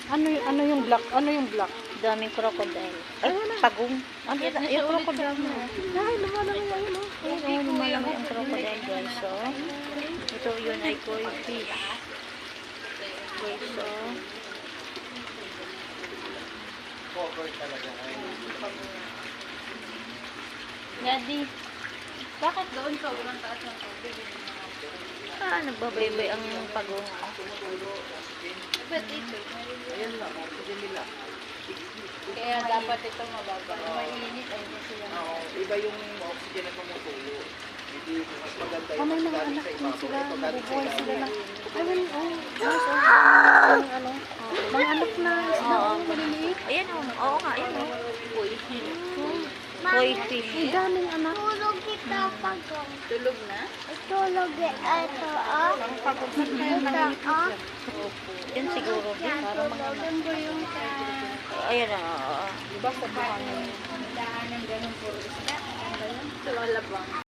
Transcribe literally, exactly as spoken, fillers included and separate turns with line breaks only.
Ano yung ano yung black? Ano yung black?
Daming crocodile. Ay, pagong. Ano yun? Yung crocodile na.
Ay, lumalaki yan, oh.
Ayun, oh, lumalaki ang crocodile, guys. So, ito yun ay koi fish. Guys, so. Daddy, bakit doon ka? Walang taas ng tubig. Ah, nagbabaybay ang pagong. Ba't ito?
Ayan lang, oxygen nila.
Kaya dapat ito mababa. Mainit ay sila.
Oo, iba yung oxygen na tumutulo. Hindi mas maganda
Oh,
yung
may
mas
mga
galing
anak
sa
din
ibabaw.
sila.
Ito galing sa
Nabubuhay sila
ilalim.
ng... Ay, well, oh. Guys, oh. Yung ano. Mga anak na isda,
Oo.
oh, maliliit.
Ayan o. Oo nga, ayan o. Koi fish. Koi fish.
Ang daming anak.
Tulog kita pagong.
Tulog na?
Tulog ito, oh.
Pagod na kaya
Ito,
nanginip
oh.
yan.
Yan siguro. Parang mga...
Tulogin ko yung sa...
Ayan o. Oo.
Diba sa buhangin?
Daan ng ganun puro isda. Ano ba yun? Lumalabang.